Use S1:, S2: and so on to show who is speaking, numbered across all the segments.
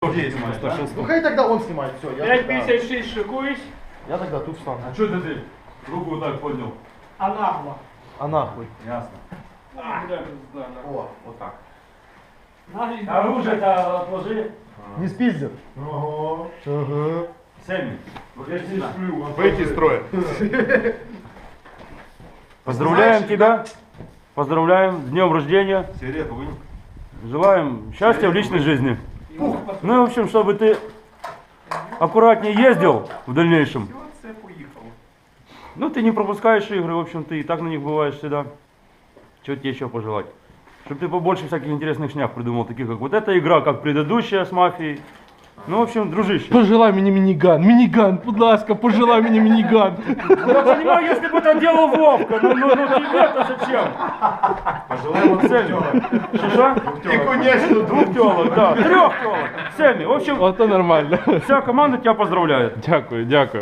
S1: Здесь,
S2: Ну хай тогда он снимает, все.
S3: 5,56 шикуюсь,
S2: Я тогда тут встану.
S1: А что ты руку вот так поднял?
S3: а нагло.
S2: А нахуй.
S1: Ясно.
S2: О, вот так.
S1: Оружие-то отложи.
S2: Не спиздят.
S1: Ага. Сэмми, выходи сюда.
S4: Выйти из строя.
S5: Поздравляем тебя. Поздравляем с днем рождения.
S4: Сигарету вынь.
S5: Желаем счастья в личной жизни. Ну и в общем, чтобы ты аккуратнее ездил в дальнейшем. Ну ты не пропускаешь игры, в общем, ты и так на них бываешь всегда. Чего тебе еще пожелать? Чтобы ты побольше всяких интересных шняк придумал, таких как вот эта игра, как предыдущая с мафией. Ну, в общем, дружище.
S6: Пожелай мені мініган. Мініган, будь ласка, пожелай мені мініган.
S5: Я понимаю, если бы это делал Вовка, ну тебе-то зачем?
S4: Пожелаем
S5: Сэмми. Что?
S4: И, конечно,
S5: Двух телок, да, 3 телок. Сэмми, в общем,
S6: Ото нормально.
S5: вся команда тебя поздравляет.
S6: Дякую, дякую.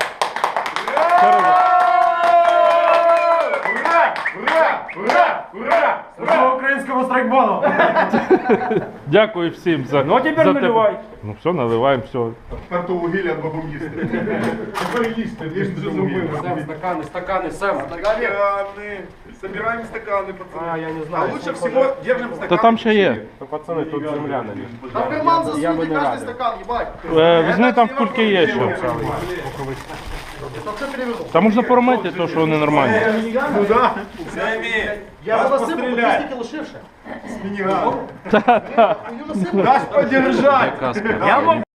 S1: Слава українському страйкболу!
S6: Дякую всім за.
S5: Ну а теперь
S6: за
S5: наливай.
S6: Ну все, наливаємо, все.
S4: Карту вугілля бабу їсти. Тепер їсти, їсти за зубами.
S1: Стаканы, Сэм.
S4: Стаканы. Собираем стаканы, пацаны.
S1: Я не
S4: А
S1: знаю.
S4: лучше всего держим стаканы.
S6: Та там ще є.
S1: Пацаны, тут земля на них.
S2: Там карман засуньте каждый стакан, ебать.
S6: Візьми, там в кульки є ще.
S2: Там все перевернул.
S6: Та можна поромити те, що вони нормальні.
S4: Ну да.
S2: Я
S4: Нас
S2: его насыпал,
S4: постреляй.
S2: подождите, лошивше.
S4: С миниганом.
S2: Ее насыпал.
S4: Дашь подержать.
S5: Я могу